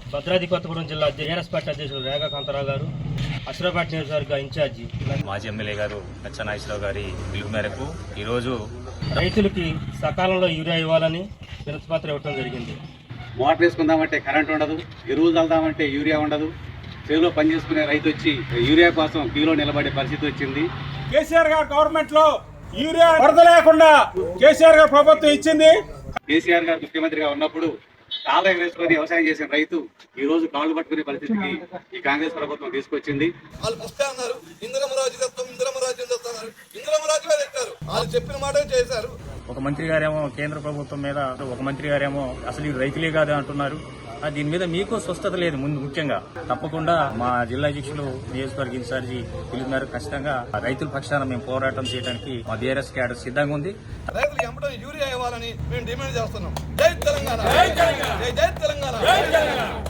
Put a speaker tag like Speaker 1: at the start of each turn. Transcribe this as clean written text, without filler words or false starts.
Speaker 1: భద్రాద్రి కొత్తగూడెం జిల్లా TRS party అధ్యక్షులు రేఖా కాంతారావు గారు, అశ్రాబాద్ నియోజకవర్గ ఇన్ఛార్జి
Speaker 2: మాజీ ఎమ్మెల్యే గారు నాగేశ్వరరావు గారి పిలుపు మేరకు ఈరోజు
Speaker 1: రైతులకి సకాలంలో యూరియా ఇవ్వాలని వినతిపత్రం ఇవ్వడం జరిగింది.
Speaker 3: మోటార్ వేసుకుందామంటే కరెంట్ ఉండదు, ఎరువులు చల్దామంటే యూరియా ఉండదు. చేలో పనిచేసుకునే రైతు వచ్చి యూరియా కోసం క్యూలో నిలబడే పరిస్థితి వచ్చింది.
Speaker 4: కేసీఆర్ గారు గవర్నమెంట్ లో యూరియా వరద లేకుండా కేసీఆర్ గారు ప్రభుత్వం ఇచ్చింది.
Speaker 3: కేసీఆర్ గారు ముఖ్యమంత్రిగా ఉన్నప్పుడు కాళ్ళ ఎగరేసుకొని వ్యవసాయం చేసిన రైతు ఈ రోజు కాళ్ళు పట్టుకునే పరిస్థితికి ఈ కాంగ్రెస్ ప్రభుత్వం తీసుకొచ్చింది.
Speaker 5: వాళ్ళు పుస్తకం అన్నారు, ఇందిరమరాజు తెస్తాం, ఇందిరమరాజ్యం తెస్తున్నారు, ఇందిరమరాజుగా తెచ్చారు. వాళ్ళు చెప్పిన మాట చేశారు.
Speaker 2: ఒక మంత్రి గారేమో కేంద్ర ప్రభుత్వం మీద, ఒక మంత్రి గారేమో అసలు ఇది రైతులే కాదు అంటున్నారు. దీని మీద మీకు స్వస్థత లేదు. ముందు ముఖ్యంగా తప్పకుండా మా జిల్లా అధ్యక్షులు నియోజకవర్గ ఇన్ఛార్జి పిలుపు మేరకు ఖచ్చితంగా రైతుల పక్షాన మేము పోరాటం చేయడానికి మా బీఆర్ఎస్ క్యాడర్ సిద్ధంగా ఉంది.
Speaker 5: రైతులు ఎంపడం యూరియా ఇవ్వాలని మేము డిమాండ్ చేస్తున్నాం. జై తెలంగాణ, జై తెలంగాణ.